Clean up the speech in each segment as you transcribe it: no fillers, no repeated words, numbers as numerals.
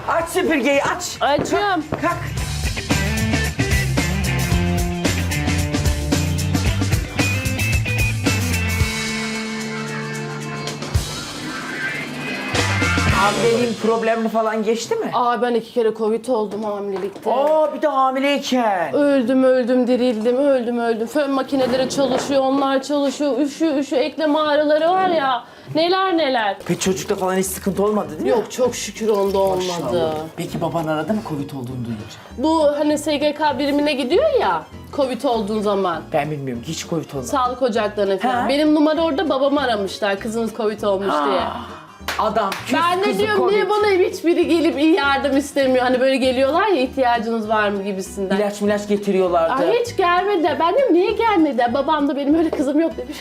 Aç süpürgeyi aç. Açıyorum. Kalk. Hamileliğin problemli falan geçti mi? Aa ben 2 kere Covid oldum hamilelikte. Aa bir de hamileyken. Öldüm dirildim öldüm. Fön makineleri çalışıyor, onlar çalışıyor. Üşü eklem ağrıları var ya. Neler. Peki çocukta falan hiç sıkıntı olmadı değil mi? Yok çok şükür onda olmadı. Maşallah. Peki baban aradı mı Covid olduğunu duyunca? Bu hani SGK birimine gidiyor ya Covid olduğun zaman. Ben bilmiyorum ki hiç Covid olmadı. Sağlık ocaklarına falan. Ha? Benim numara orada, babamı aramışlar kızınız Covid olmuş diye. Adam küs Ben de kızı diyorum Covid. niye bana hiçbiri gelip iyi yardım istemiyor. Hani böyle geliyorlar ya ihtiyacınız var mı gibisinden. İlaç getiriyorlardı. Ay hiç gelmedi. Ben diyorum niye gelmedi? Babam da benim öyle kızım yok demiş.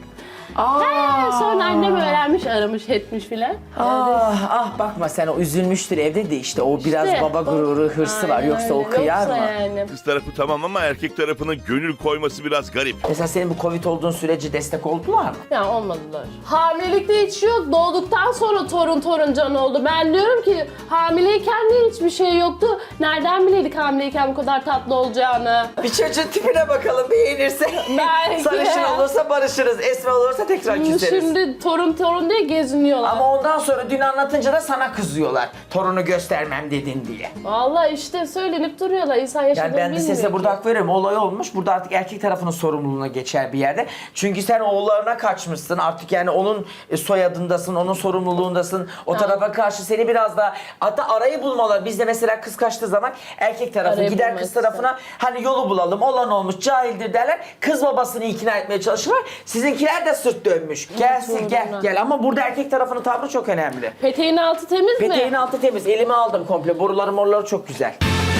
Sonra annem öğrenmiş, aramış, etmiş filan. Bakma sen o üzülmüştür evde de işte o biraz İşte, baba gururu, hırsı var. Aynen Yoksa o öyle. kıyar Yoksa mı? yani. Kız tarafı tamam ama erkek tarafının gönül koyması biraz garip. Mesela senin bu Covid olduğun sürece destek oldular mı? Ya olmadılar. Hamilelikte hiç yok. Doğduktan sonra torun can oldu. Ben diyorum ki hamileyken de hiçbir şey yoktu. Nereden bileydik hamileyken bu kadar tatlı olacağını? Bir çocuğun tipine bakalım beğenirse. Belki. Sarışın olursa barışırız, esmer olursa tekrar küseriz. Şimdi torun diye geziniyorlar. Ama ondan sonra dün anlatınca da sana kızıyorlar. Torunu göstermem dedin diye. Vallahi işte söylenip duruyorlar. İnsan yaşadığını Yani ben de bilmiyor size ki. burada hak veriyorum. Olay olmuş. Burada artık erkek tarafının sorumluluğuna geçer bir yerde. Çünkü sen oğullarına kaçmışsın. Artık yani onun soyadındasın, onun sorumluluğundasın. O tarafa karşı seni biraz daha... Hatta arayı bulmalar. Bizde mesela kız kaçtığı zaman erkek tarafı Arayı gider bulmak kız tarafına hani yolu bulalım, olan olmuş, cahildir derler. Kız babasını ikna etmeye çalışırlar. Sizinkiler de sırt dönmüş. Gelsin gel. Ama burada erkek tarafının tavrı çok önemli. Peteğin altı temiz mi? Peteğin altı temiz. Elime aldım komple. Boruları morları çok güzel.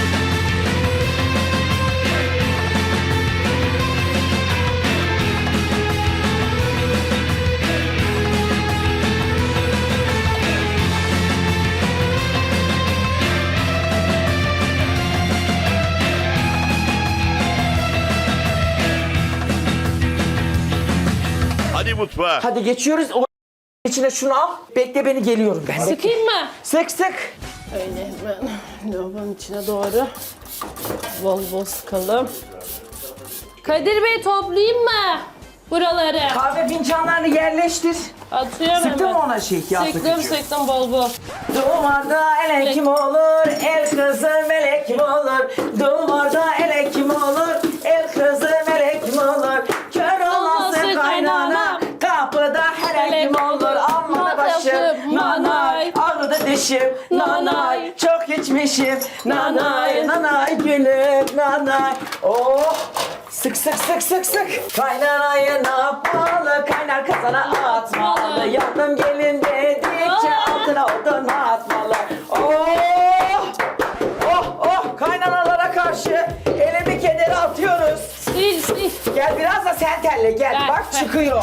Hadi mutfağa. Hadi geçiyoruz. O içine şunu al. Bekle beni geliyorum ben. Sıkayım mı? Sık. Öyle hemen lavabonun içine doğru bol sıkalım. Kadir Bey toplayayım mı buraları? Kahve fincanlarını yerleştir. Atıyorum Sıktın hemen. mı ona şey? Yağ sıkıcı? Sıktım bol. Duvarda ele kim olur? El kızı melek kim olur? Duvarda ele kim olur? El kızı melek kim olur? Kör olmasın kaynana. Kapıda hele kim olur? Aman başım nanay. Ağrıdı dişim nanay. Çok içmişim nanay gülüm nanay. Oh! Sık. Kaynanayı ne yapmalı? Kaynar kazana atmalı. Yandım gelin dedikçe altına odun atmalı. Oh! Kaynanalara karşı elimi kederi atıyoruz. Sil. Gel biraz da sen telle gel. Ver, Bak ver. çıkıyor.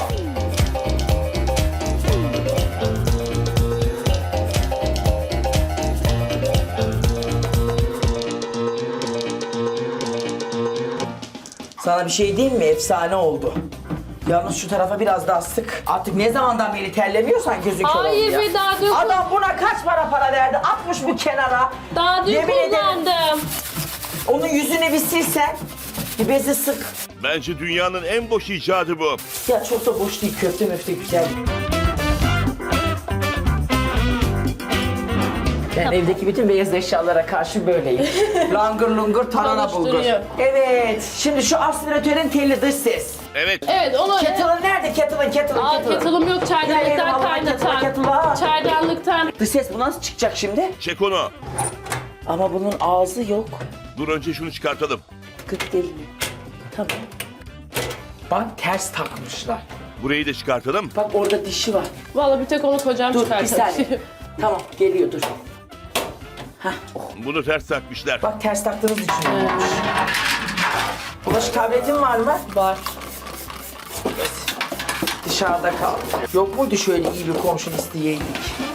Sana bir şey diyeyim mi? Efsane oldu. Yalnız şu tarafa biraz daha sık. Artık ne zamandan beri terlemiyorsan gözün kör oldu Hayır ya. be, daha dün- Adam buna kaç para verdi? Atmış bu kenara. Daha dün Yemin ederim. kullandım. Onun yüzünü bir silsen. Bir bezi sık. Bence dünyanın en boş icadı bu. Ya çok da boş değil. Köfte güzel. Ben evdeki bütün beyaz eşyalara karşı böyleyim. Langır lungur tarhana bulgur. Çalıştırıyor. Evet. Şimdi şu aspiratörün telli dış ses. Evet. Evet onu... Kettle'ın nerede? Kettle'ın. Kettle'ım yok, Gel yerim çaydanlıktan Allah'ın kettle var. kaynatan. Çaydanlıktan. Dış ses bu nasıl çıkacak şimdi? Çek onu. Ama bunun ağzı yok. Dur önce şunu çıkartalım. Kıt değil mi? Tamam. Bak ters takmışlar. Burayı da çıkartalım. Bak orada dişi var. Vallahi bir tek onu kocam Dur bir çıkartır. saniye. Tamam geliyor dur. Hah. Oh. Bunu ters takmışlar. Bak ters taktığınız için olmuş. Bulaşık tabletin var mı? Var. Dışarıda kaldı. Yok muydu şöyle iyi bir komşun isteyeydik?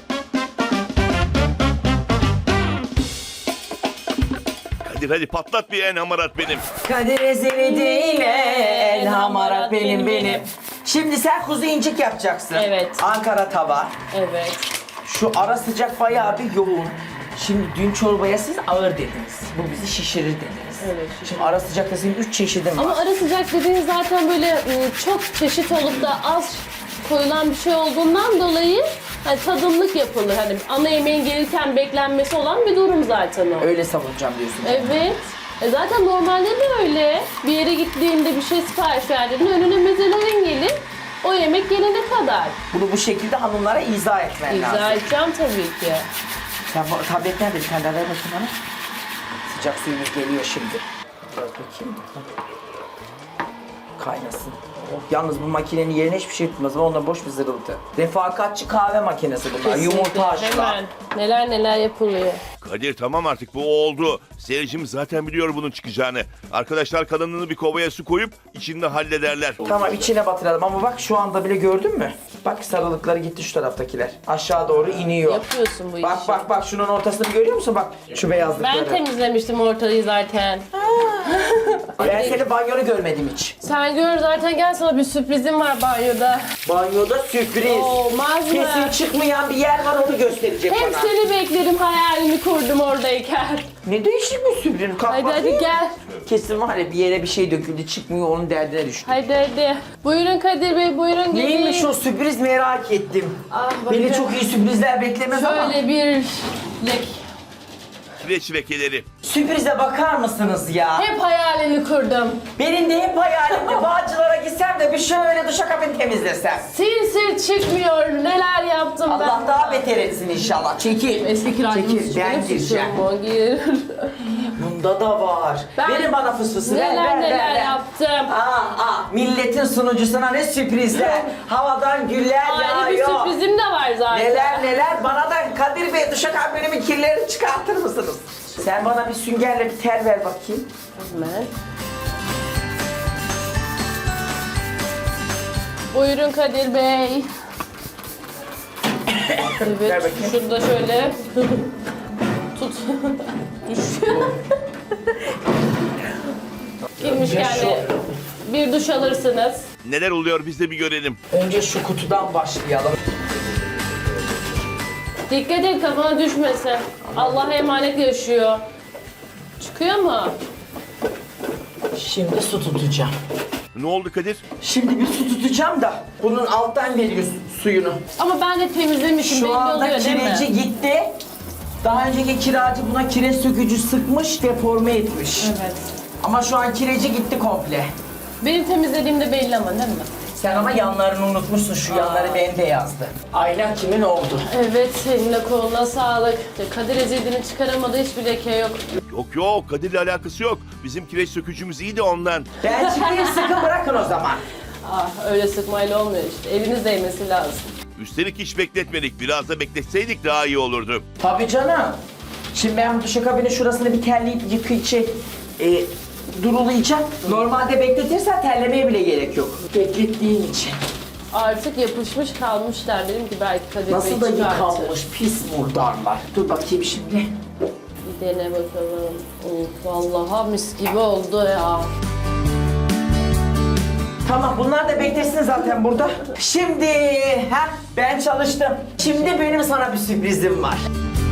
Hadi patlat bir en hamarat benim. Kadir ezeli değil el hamarat benim. Şimdi sen kuzu incik yapacaksın. Evet. Ankara tava. Evet. Şu ara sıcak bayağı bir yoğun. Şimdi dün çorbaya siz ağır dediniz. Bu bizi şişirir dediniz. Evet, Şimdi ara sıcakta senin 3 çeşidin var. Ama ara sıcak dediğin zaten böyle çok çeşit olup da az koyulan bir şey olduğundan dolayı hani tadımlık yapılır. Hani ana yemeğin gelirken beklenmesi olan bir durum zaten o. Öyle savunacağım diyorsun. Evet. Zaten normalde de öyle. Bir yere gittiğinde bir şey sipariş verdiğinde önüne mezelerin gelir. O yemek gelene kadar. Bunu bu şekilde hanımlara izah etmen İzah lazım. edeceğim tabii ki. Sen bu tablet nerede? Bir tane daha ver bakayım bana. Sıcak suyumuz geliyor şimdi. Bak bakayım. Kaynasın. Oh, yalnız bu makinenin yerine hiçbir şey tutmaz. Onunla boş bir zırıltı. Refakatçi kahve makinesi bunlar. Yumurta haşla. Hemen. Neler neler yapılıyor. Kadir tamam artık bu oldu. Seyircimiz zaten biliyor bunun çıkacağını. Arkadaşlar kalanını bir kovaya su koyup içinde hallederler. Tamam içine batıralım ama bak şu anda bile gördün mü? Bak sarılıkları gitti şu taraftakiler. Aşağı doğru iniyor. Yapıyorsun bu Bak işi. bak bak şunun ortasını görüyor musun? Bak şu beyazlıkları. Ben temizlemiştim ortayı zaten. Ben seni banyonu görmedim hiç. Sen gör zaten, gel sana bir sürprizim var banyoda. Banyoda sürpriz. Olmaz mı? Kesin çıkmayan bir yer var onu gösterecek Hep bana. seni bekledim, hayalimi kurdum oradayken. Ne değişik bir sürpriz. Kalk Hadi bakayım. hadi gel. Kesin var ya bir yere bir şey döküldü çıkmıyor onun derdine düştü. Hadi hadi. Buyurun Kadir Bey, buyurun gelin. Neymiş o sürpriz merak ettim. Ah, Beni bakın. çok iyi sürprizler beklemez ama. Şöyle bir lek. Kireç lekeleri. Sürprize bakar mısınız ya? Hep hayalini kurdum. Benim de hep hayalimdi. Bağcılara gitsem de bir şöyle duşakabini temizlesem. Sil sil çıkmıyor. Neler yaptım ben. Allah daha beter etsin inşallah. Çekil. Eski kiracımız Çekil. Ben gireceğim. Gir. Bunda da var. Verin bana fısfısı. Ver, Neler ver, neler ver, ver. yaptım. Milletin sunucusuna ne sürprizler. Havadan güller Ayrı bir yağıyor. sürprizim de var zaten. Neler neler. Bana da Kadir Bey duşakabinimin kirlerini çıkartır mısınız? Sen bana bir süngerle bir ter ver bakayım. Hemen. Buyurun Kadir Bey. Ver Evet, bakayım. şurada şöyle tut. Düşüyor. Girmişken de bir duş alırsınız. Neler oluyor biz de bir görelim. Önce şu kutudan başlayalım. Dikkat et kafana düşmesin. Allah'a emanet yaşıyor. Çıkıyor mu? Şimdi su tutacağım. Ne oldu Kadir? Şimdi bir su tutacağım da bunun alttan veriyor suyunu. Ama ben de temizlemişim. Şu belli anda oluyor değil mi? kireci gitti. Daha önceki kiracı buna kireç sökücü sıkmış, deforme etmiş. Evet. Ama şu an kireci gitti komple. Benim temizlediğimde belli ama değil mi? Sen ama yanlarını unutmuşsun, şu yanları bembeyazdı. Ayla kimin oldu? Evet, eline koluna sağlık. Kadir ezildiğini çıkaramadı, hiçbir leke yok. Yok yok Kadir'le alakası yok. Bizim kireç sökücümüz iyi de ondan. Ben çıkayım sıkı bırakın o zaman. Ah, öyle sıkmayla olmuyor işte. Eliniz değmesi lazım. Üstelik hiç bekletmedik. Biraz da bekletseydik daha iyi olurdu. Tabii canım. Şimdi ben bu duşakabinin şurasını bir terleyip durulayacağım. Normalde bekletirsen terlemeye bile gerek yok. Beklettiğin için. Artık yapışmış kalmışlar. Dedim ki belki Kadir Nasıl da Bey çıkartır. yıkanmış pis murdarlar. Dur bakayım şimdi. Bir dene bakalım. Vallahi mis gibi oldu ya. Tamam bunlar da beklesin zaten burada. Şimdi ben çalıştım. Şimdi benim sana bir sürprizim var.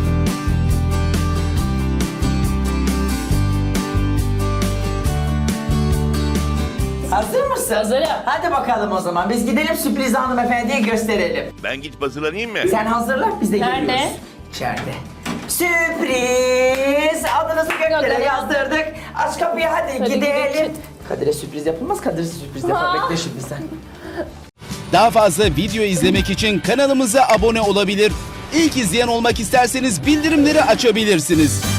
Hazır mısın? Hazırım. Hadi bakalım o zaman. Biz gidelim sürprizi hanımefendiye gösterelim. Ben gidip hazırlanayım mı? Sen hazırla biz de Nerede? geliyoruz. İçeride. Sürpriz! Adınızı göklere Göklere. yazdırdık. Aç kapıyı hadi, Hadi gidelim. gidelim. Kadir'e sürpriz yapılmaz, Kadir'e sürpriz yapar. Aa. Bekle şimdi sen. Daha fazla video izlemek için kanalımıza abone olabilir. İlk izleyen olmak isterseniz bildirimleri açabilirsiniz.